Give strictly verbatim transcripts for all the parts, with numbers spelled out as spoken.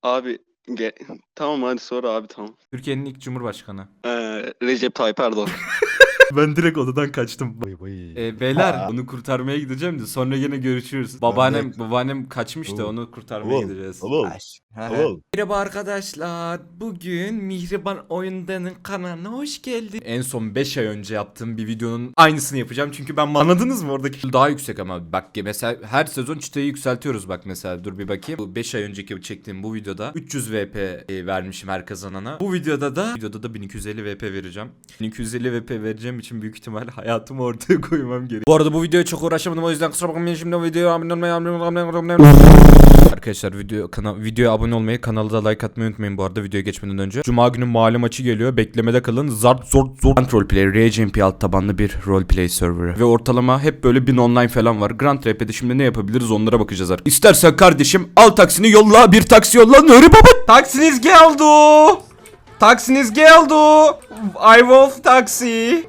Abi ge- tamam hadi sonra abi tamam. Türkiye'nin ilk cumhurbaşkanı. Ee, Recep Tayyip Erdoğan. Ben direkt odadan kaçtım. Vay vay. E, beyler onu kurtarmaya gideceğim de sonra yine görüşürüz. Babaannem babaannem kaçmıştı, Tamam. onu kurtarmaya Tamam, gideceğiz. tamam. Tamam. Merhaba arkadaşlar. Bugün Mihriban Oyundan'ın kanalına hoş geldin. En son beş ay önce yaptığım bir videonun aynısını yapacağım. Çünkü ben anladınız mı oradaki daha yüksek ama bak mesela her sezon çıtayı yükseltiyoruz bak mesela. Dur bir bakayım. Bu beş ay önceki çektiğim bu videoda üç yüz V P e, vermişim her kazanana. Bu videoda da videoda da bin iki yüz elli V P vereceğim. bin iki yüz elli V P vereceğim için büyük ihtimal hayatımı ortaya koymam gerek. Bu arada bu videoya çok uğraşamadım, o yüzden kusura bakmayın, şimdi o videoya abone olmayı Arkadaşlar video kana videoya abone olmayı, kanala da like atmayı unutmayın bu arada videoya geçmeden önce. Cuma günü mahalle maçı geliyor. Beklemede kalın. Zart zort zort. Grand Roleplay, R G M P alt tabanlı bir roleplay serverı. Ve ortalama hep böyle bin online falan var. Grand R P'de şimdi ne yapabiliriz onlara bakacağız artık. İstersen kardeşim al taksini yolla, bir taksi yolla. Nuri baba. Taksiniz geldi. Taksiniz geldi. I Wolf taksi.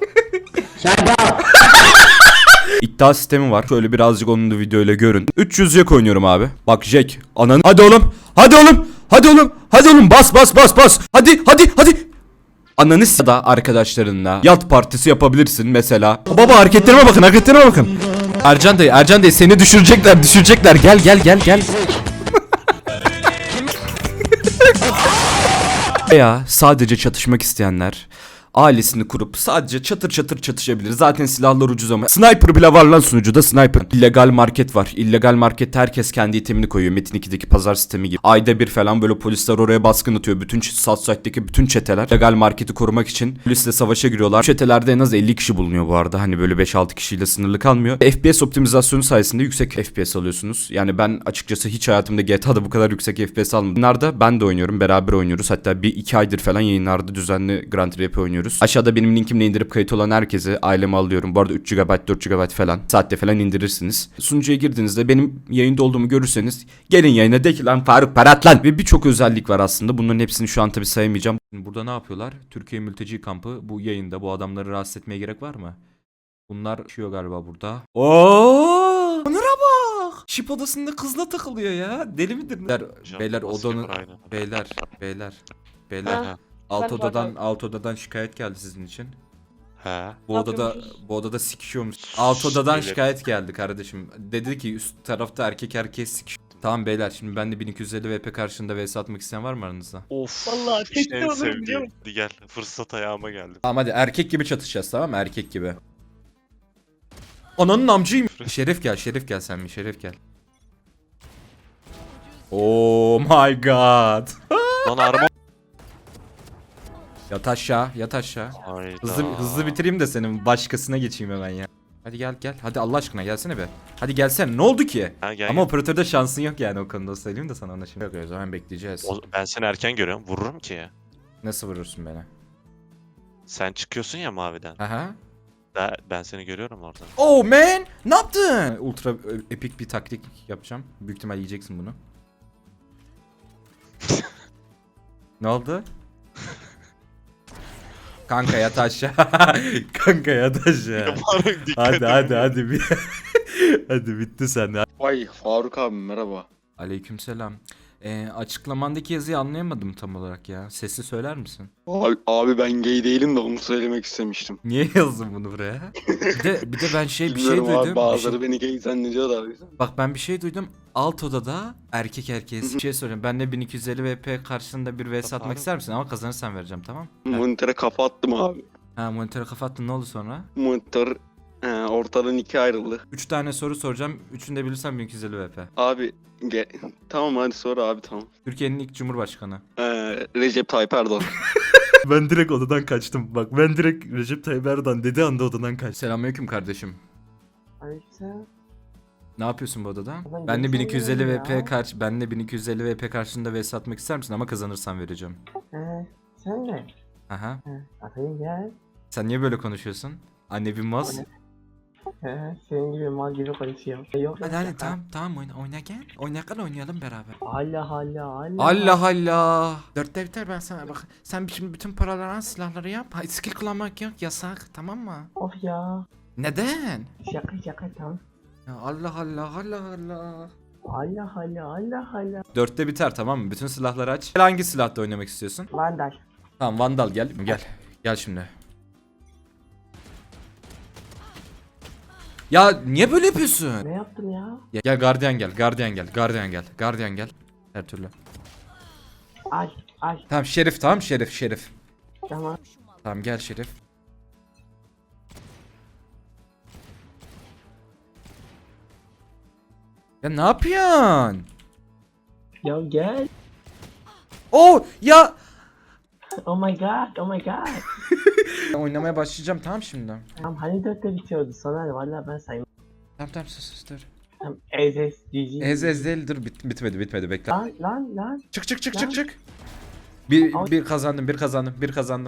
İddia sistemi var. Şöyle birazcık onun da videoyla görün. üç yüz Jack oynuyorum abi. Bak Jack. Ananı. Hadi oğlum. Hadi oğlum. Hadi oğlum. Hadi oğlum. Bas bas bas bas. Hadi hadi hadi. Ananı s- da arkadaşlarınla yat partisi yapabilirsin mesela. Baba hareketlerime bakın, hareketlerime bakın. Ercan dayı, Ercan dayı seni düşürecekler, düşürecekler. Gel gel gel gel. Veya sadece çatışmak isteyenler ailesini kurup sadece çatır çatır çatışabilir. Zaten silahlar ucuz ama. Sniper bile var lan sunucuda, sniper. İllegal market var. İllegal markette herkes kendi itemini koyuyor. Metin ikideki pazar sistemi gibi. Ayda bir falan böyle polisler oraya baskın atıyor. Bütün Southside'deki bütün çeteler legal marketi korumak için polisle savaşa giriyorlar. Çetelerde en az elli kişi bulunuyor bu arada. Hani böyle beş altı kişiyle sınırlı kalmıyor. F P S optimizasyonu sayesinde yüksek F P S alıyorsunuz. Yani ben açıkçası hiç hayatımda G T A'da bu kadar yüksek F P S almadım. Bunlarda ben de oynuyorum. Beraber oynuyoruz. Hatta bir iki aydır falan yayınlarda düzenli Grand R P oynuyoruz. Aşağıda benim linkimle indirip kayıt olan herkese aileme alıyorum. Bu arada üç gigabayt dört gigabayt falan saatte falan indirirsiniz. Sunucuya girdiğinizde benim yayında olduğumu görürseniz gelin yayına, de ki lan Faruk parat lan. Ve birçok özellik var aslında. Bunların hepsini şu an tabii sayamayacağım. Burada ne yapıyorlar? Türkiye mülteci kampı bu yayında. Bu adamları rahatsız etmeye gerek var mı? Bunlar yaşıyor galiba burada. Oo! Onur'a bak. Şip odasında kızla takılıyor ya. Deli midir? Beyler, beyler odanın beyler beyler beyler. Ha. Alt Ben odadan pardon. alt odadan şikayet geldi sizin için. He. Bu Ne odada yapıyormuşuz? bu odada sikişiyormuş. Alt odadan Beyler. şikayet geldi kardeşim. Dedi ki üst tarafta erkek erkeğe sikiş. Tamam beyler, şimdi ben de bin iki yüz elli V P karşında vs atmak isteyen var mı aranızda? Of. Vallahi işte tek de en olurum, biliyor sevdiğim. musun? Hadi gel. Fırsat ayağıma geldi. Tamam hadi erkek gibi çatışacağız, tamam mı? Erkek gibi. Ananın amcıyım. Şeref gel, Şeref gel sen mi? Şeref gel. Oh my god. Lan araba. Yat aşağı, yat aşağı. Hayda. Hızlı hızlı bitireyim de senin başkasına geçeyim hemen ya. Hadi gel gel. Hadi Allah aşkına gelsene be. Hadi gelsene. Ne oldu ki? Ha, gel, Ama gel. operatörde şansın yok yani, o konuda söyleyeyim de sana ona şimdi. Yok o zaman bekleyeceğiz. O- ben seni erken görüyorum. Vururum ki. Nasıl vurursun beni? Sen çıkıyorsun ya maviden. Aha. Ben, ben seni görüyorum orada. Oh man! Ne yaptın? Ultra e, epik bir taktik yapacağım. Büyük ihtimal yiyeceksin bunu. Ne oldu? Kanka yat aşağı. Kanka yat aşağı. Faruk dikkat Hadi et. hadi hadi bir. Hadi bitti sen. Vay Faruk abi merhaba. Aleykümselam. Ee, açıklamandaki yazıyı anlayamadım tam olarak ya. Sesli söyler misin? Abi, abi ben gay değilim de onu söylemek istemiştim. Niye yazdın bunu buraya? Bir de bir de ben şey bir şey Bilmiyorum abi, duydum. Bir bazıları şey- beni gay zannediyor da. Bak ben bir şey duydum. Alt odada erkek erkeğe bir şey soruyorum. Ben de bin iki yüz elli V P karşısında bir vs atmak ister misin? Ama kazanırsan vereceğim, tamam? Monitöre kafa attım abi. Ha, monitöre kafa attın, ne oldu sonra? Monitör he, ortadan ikiye ayrıldı. üç tane soru soracağım. Üçünü de bilirsen bin iki yüz elli V P. Abi ge- tamam hadi sonra abi tamam. Türkiye'nin ilk cumhurbaşkanı. Ee, Recep Tayyip Erdoğan. Ben direkt odadan kaçtım. Bak ben direkt Recep Tayyip Erdoğan dedi anda odadan kaçtım. Selamünaleyküm kardeşim. Aleykümselam. Ne yapıyorsun bu odada? Ben Ben de bin iki yüz elli geçemiyorum V P ya. karşı ben de bin iki yüz elli V P karşında vs atmak ister misin? Ama kazanırsan vereceğim. He, sen mi? Aha. He, atayım gel. Sen niye böyle konuşuyorsun? Anne bir maz. He, senin gibi mal gibi konuşuyor. E, Yok Hadi yok hadi şaka. tamam tamam oyna oyna gel. Oyna gel oynayalım beraber. Allah Allah Allah. Allah Allah. Dörtte biter, ben sana bak. Sen şimdi bütün paraları al, silahları yap. Ha, skill kullanmak yok, yasak, tamam mı? Of ya. Neden? Şaka şaka tamam. Ya Allah Allah Allah Allah. Allah Allah Allah Allah. Dörtte biter tamam mı? Bütün silahları aç. Gel, hangi silahla oynamak istiyorsun? Vandal. Tamam Vandal gel. Gel. Gel şimdi. Ya niye böyle yapıyorsun? Ne yaptım ya? Ya, gel gardiyan gel. Gardiyan gel. Gardiyan gel. Gardiyan gel. Her türlü. Ay ay. Tamam Şerif tamam Şerif Şerif. Tamam. Tamam gel Şerif. Ya ne yapıyorsun? Ya gel. Oh ya. Oh my god. Oh my god. Oynamaya başlayacağım tamam şimdi. Tamam hani dörtte bitiyordu sana valla ben saymadım. Tamam tamam sus sus dur. Tamam ez ez cici. Ez ez değil dur bit, bitmedi bitmedi bekle. Lan lan lan. Çık çık çık Lan. çık çık. Bir, Al. bir kazandım bir kazandım bir kazandım.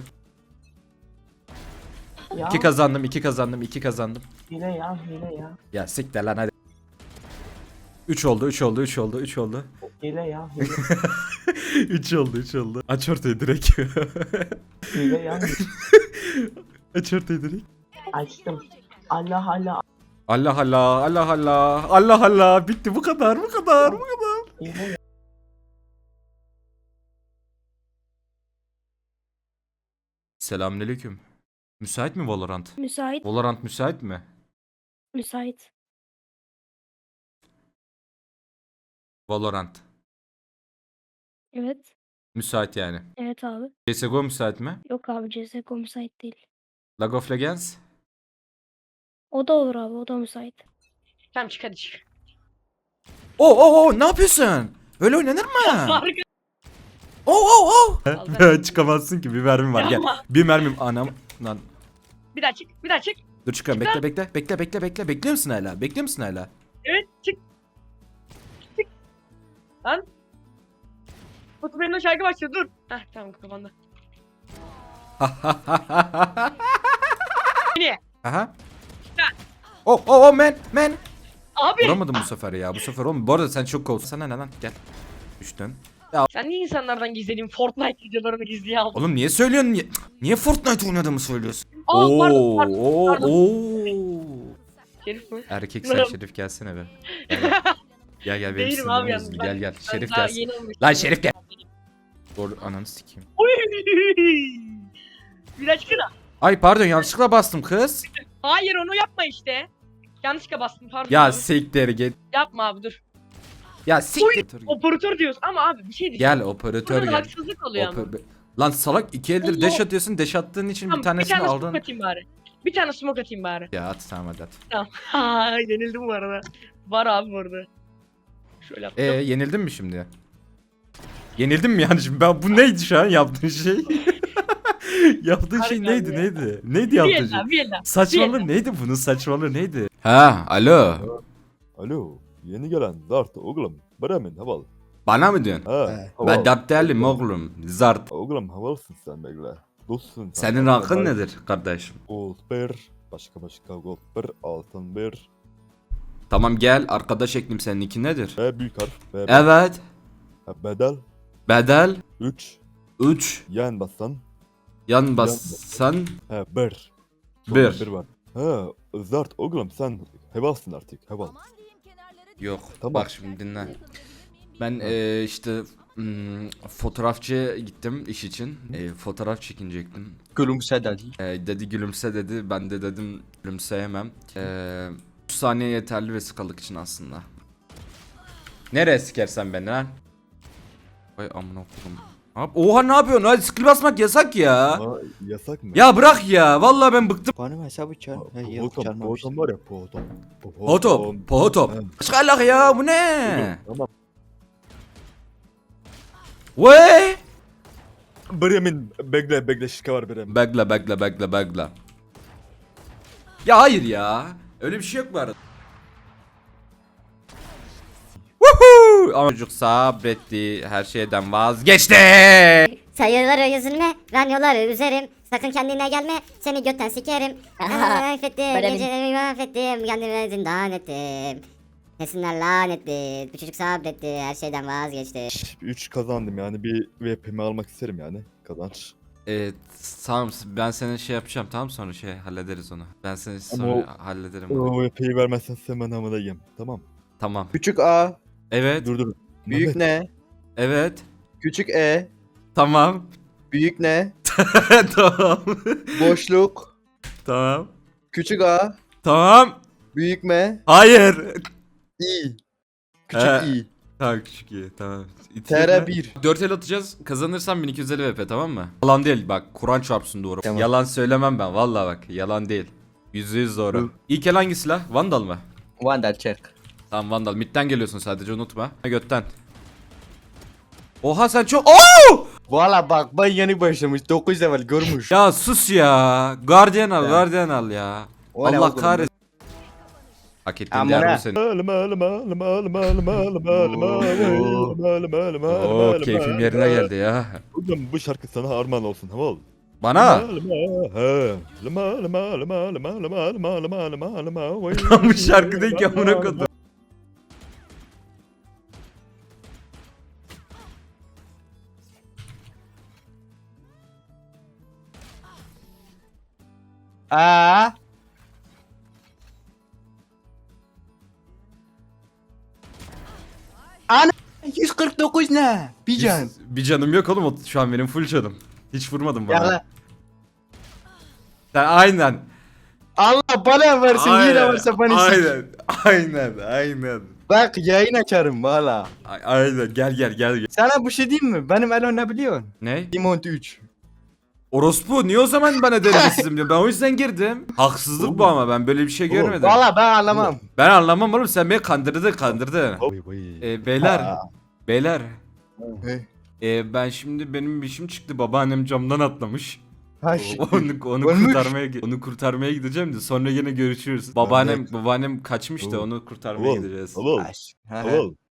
Ya İki kazandım iki kazandım iki kazandım. hile ya hile ya. Ya siktir lan hadi. üç oldu üç oldu üç oldu üç oldu. Hile ya hile. üç oldu üç oldu. Aç ortayı direkt. hile ya. Aç ortayı direkt. Açtım. Allah Allah. Allah Allah Allah Allah Allah Allah bitti bu kadar bu kadar bu kadar. Hile ya. Selamünaleyküm. Müsait mi Valorant? Müsait. Valorant müsait mi? Müsait. Valorant. Evet. Müsait yani. Evet abi. C S G O müsait mi? Yok abi C S G O müsait değil. League of Legends? O da olur abi, o da müsait. Tamam çık hadi çık. Oo oo oo ne yapıyorsun? Öyle oynanır mı? Oo oo oo. Vallahi. Çıkamazsın ki bir mermim var gel. Yapma. Bir mermim anam lan. Bir daha çık, bir daha çık. Dur çıkıyorum bekle bekle bekle bekle bekle bekliyor musun hala? Bekliyor musun hala? Evet çık. Çık. Lan. Batu benim şarkı başlıyor dur. Heh tamam kapandı. Yine. Aha. Oh oh oh man man. Abi. Vuramadım bu sefer ya bu sefer oğlum. Bu arada sen çok cool. Sana ne lan gel. Düştün. Sen niye insanlardan gizlediğin Fortnite videolarını gizliye aldın? Oğlum niye söylüyorsun? Niye, niye Fortnite oynadığımı söylüyorsun? Aa pardon pardon. Oo, pardon. oo. Şerif mi? Erkek sen Şerif gelsene be. Gel gel. Gel gel benim Değilim abi sinirlerim yalnız. bozuldu. Ben- Gel gel. Ben Şerif daha gelsin. yeni olmuştum. Lan Şerif gel. Doğru ananı sikeyim. Oy. Bir daha çıkın. Ay pardon yanlışlıkla bastım kız. Hayır onu yapma işte. Yanlışlıkla bastım pardon. Ya abi. siktir git. Yapma abi dur. Ya siktir. Operatör diyorsun ama abi bir şey diyeceğim. Gel operatör Burada da gel. haksızlık oluyor ama. Oper- Lan salak iki eldir Allah. deş atıyorsun. Deş attığın için Tamam, bir tanesini tane aldın. smoke atayım bari. Bir tane smoke atayım bari. Ya at tamam hadi at. Tamam. Ha yenildim bu arada. Var abi bu arada. Şöyle Ee yaptım. yenildin mi şimdi? Yenildim mi yani şimdi? Ben bu neydi şu an yaptığın şey? yaptığın şey Harbiden neydi ya. neydi? Neydi bir yaptığın el şey? daha bir el daha. Saçmalığı neydi bunun saçmalığı neydi? Ha alo. Alo, yeni gelen Dart oğlum. Bremen havalı. Bana mı diyorsun? Ha, Ben havalı. dert değilim oğlum. Zart. Oğlum havalısın sen bekle. Dostsun sen. Senin rankın nedir kardeşim? Gold bir, başka başka gold bir, altın bir. Tamam gel arkadaş eklim senin iki nedir? B büyük harf. B, Evet. Ha, bedel. Bedel üç. üç. Yan basan. Yan bassan Ha bir. Bir. Sonra bir var. Ha, Zart oğlum sen hevalsın artık heval. yok. Tamam. Bak şimdi dinle. Ben eee, işte hmm, fotoğrafçıya gittim iş için. Eee, fotoğraf çekinecektim. Gülümse dedi. Eee, dedi gülümse dedi. Ben de dedim gülümseyemem. Eee üç saniye yeterli vesikalık için aslında. Nereye sikersen beni lan? Vay amına koyayım. Abi, oha ne yapıyorsun? Hadi skill basmak yasak ya. Ha, yasak mı? Ya bırak ya. Vallahi ben bıktım. Benim hesabı çal. Po- Ha, yok Potom, çalmamıştım. potom var ya potom. Potop, potop. Ha. Çıkarlak ya bu ne? Tamam. Vay. Bremen bekle bekle şika var Bremen. Bekle bekle bekle bekle. Ya hayır ya. Öyle bir şey yok bu arada. Woohoo! Ama çocuk sabretti. Her şeyden vazgeçti. Sayıları yüzüne, ranyoları üzerim. Sakın kendine gelme, seni götten sikerim. Affettim, Böyle bir- gecelerimi mahvettim, kendime zindan ettim. Nesinler lanetli, bu çocuk sabretti, her şeyden vazgeçti. üç kazandım yani bir V P'mi almak isterim yani kazanç. Evet tamam ben senin şey yapacağım tamam sonra şey hallederiz onu. Ben seni sonra o- hallederim onu. O V P'yi vermezsen sen ben hamile yiyeyim. Tamam. Tamam. Küçük A. Evet. Dur dur. Büyük Mehmet, ne? Evet. Küçük E. Tamam. Büyük ne? Tamam. Boşluk. Tamam. Küçük A. Tamam. Büyük M. Hayır. İ. Küçük Ee, İ. Tamam küçük iyi tamam. T R bir. dört el atacağız. Kazanırsam bin iki yüz elli V P tamam mı? Yalan değil bak. Kur'an çarpsın doğru. Tamam. Yalan söylemem ben. Vallahi bak. Yalan değil. Yüzde yüz doğru. Hı. İlk el hangi silah? Vandal mı? Vandal check. Tamam Vandal. Mid'den geliyorsun sadece unutma. Götten. Oha sen çok... Oo! Valla bak ben yeni başlamış. dokuz level görmüş. Ya sus ya. Guardian al, Ya. Guardian al ya. O ne Allah oğlum? kahretsin. Hak ettiğin Amına. değer bu senin. Alma alma alma alma alma alma alma alma alma alma Oo alma keyfim alma. yerine geldi ya. Oğlum bu şarkı sana armağan olsun tamam mı? Bana. Alma, he. Alma alma alma alma alma alma alma alma alma vay. Bu şarkı değil ki amına kodum. Aa. Ana yüz kırk dokuz ne? Bir can. Bir canım yok oğlum o- şu an benim full canım. Hiç vurmadın bana. Ya Sen aynen. Allah bana versin yine varsa bana sik. Aynen. Aynen. Aynen. Bak yayın açarım valla. A- Aynen. Gel gel gel. gel. Sana bir şey diyeyim mi? Benim Elo ne biliyorsun? Ne? Dimont üç. Orospu niye o zaman bana denemesizim diyor. Ben o yüzden girdim. Haksızlık bu ama ben böyle bir şey Oğlum, görmedim. Valla ben anlamam. Ben anlamam oğlum sen beni kandırdın kandırdın. Vay vay. Ee, beyler. Aa. Beyler. He. Ee, ben şimdi benim bir işim çıktı. Babaannem camdan atlamış. Ha şey. onu onu Ölmüş. kurtarmaya onu kurtarmaya gideceğim de sonra yine görüşürüz. Babaannem babaannem kaçmış da onu kurtarmaya Tamam, gideceğiz. tamam. Ha, Tamam.